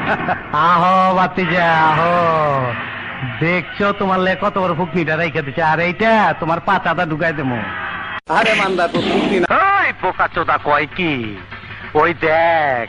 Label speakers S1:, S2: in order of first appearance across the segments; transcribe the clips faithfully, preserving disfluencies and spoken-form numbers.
S1: আহো বাতিজা আহো, দেখছো তোমার লে কত বড় ফুকনিটা রেখে দিচ্ছে, আর এইটা তোমার পাতাটা ঢুকাই দেবো।
S2: আরে মান্দা তো ফুকনি না।
S1: ওই পোকা চোদা কয় কি, ওই দেখ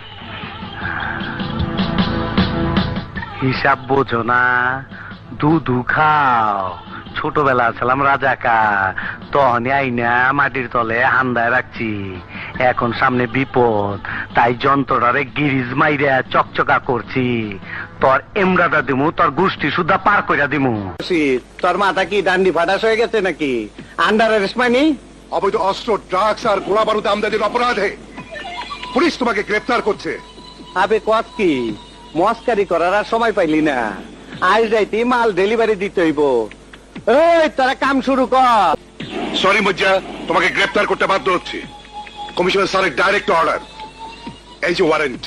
S1: হিসাব বোঝো না, দুধু খাও। ছোটবেলা ছিলাম রাজাকা, তখন আইনা মাটির তলে হান্দায় রাখছি। এখন সামনে বিপদ, তাই যন্ত্রটারে গিরিজ মাইরা চকচকা করছি। তোর এমরাটা দিমু, তোর গোষ্ঠী সুদ্ধা পার কইরা দিমু।
S2: তোর মাথা কি ডান্ডি ফাটাস হয়ে গেছে নাকি? আন্ডার অ্যারেস্ট মানি?
S3: অবৈধ অস্ত্র, ড্রাগস আর গোলা বারুদ আমদানির অপরাধে পুলিশ তোমাকে গ্রেফতার করছে।
S2: আবে কত কি মস্কারি করার আর সময় পাইলি না, আজ রাইতে মাল ডেলিভারি দিতে হইব। এই তোরা কাম শুরু কর।
S3: সরি মজ্জা, তোমাকে গ্রেফতার করতে বাধ্য হচ্ছে। কমিশনার স্যারের ডাইরেক্ট অর্ডার, এই যে ওয়ারেন্ট।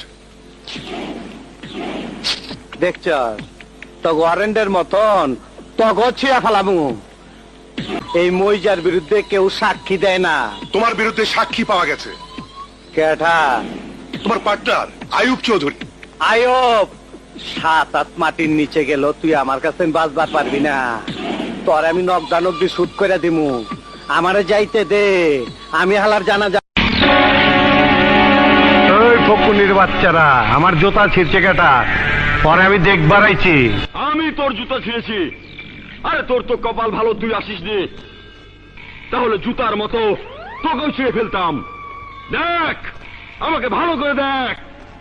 S2: দেখছ তো ওয়ারেন্টের মতন তগ ছিয়া ফেলামু। এই মইজার বিরুদ্ধে কেউ সাক্ষী দেয় না।
S3: তোমার বিরুদ্ধে সাক্ষী পাওয়া গেছে।
S2: কেঠা?
S3: তোমার পার্টনার আয়ুব চৌধুরী।
S2: আয়ব সাত আট মাটির নিচে গেল, তুই আমার কাছে বাঁচবার পারবি না। তোর আমি নকদানকদি শুট করে দিমু। আমারে যাইতে দে, আমি হালার জানা যা।
S1: ওই ফকুনির বাচ্চারা আমার জুতা ছিঁড়ছে কেটা, পরে আমি দেখবার আইছি।
S4: আমি তোর জুতা ছিঁড়েছি? আরে তোর তো কপাল ভালো, তুই আসিস নি, তাহলে জুতার মতো তোকেও ছিঁড়ে ফেলতাম। দেখ, আমাকে ভালো করে দেখ।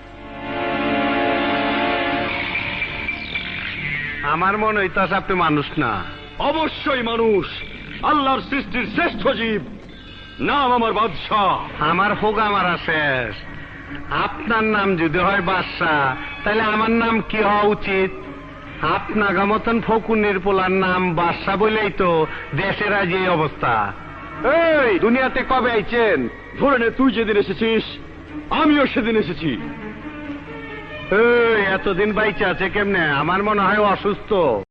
S1: আমার মনে হইতাছে আপনি মানুষ না।
S4: অবশ্যই মানুষ, আল্লাহর সৃষ্টির শ্রেষ্ঠ জীব। নাম আমার বাদশাহ।
S1: আমার হোগা মারা শেষ। আপনার নাম যদি হয় বাদশাহ, তাহলে আমার নাম কি হওয়া উচিত? আপনার মতন ফকুনের পোলার নাম বাদশাহ বলেই তো দেশের আজ এই অবস্থা। এই দুনিয়াতে কবে আইছেন?
S4: ধরে নে, তুই যেদিন এসেছিস আমিও সেদিন এসেছি।
S1: এই এতদিন বাইচে আছে কেমনে? আমার মনে হয় অসুস্থ।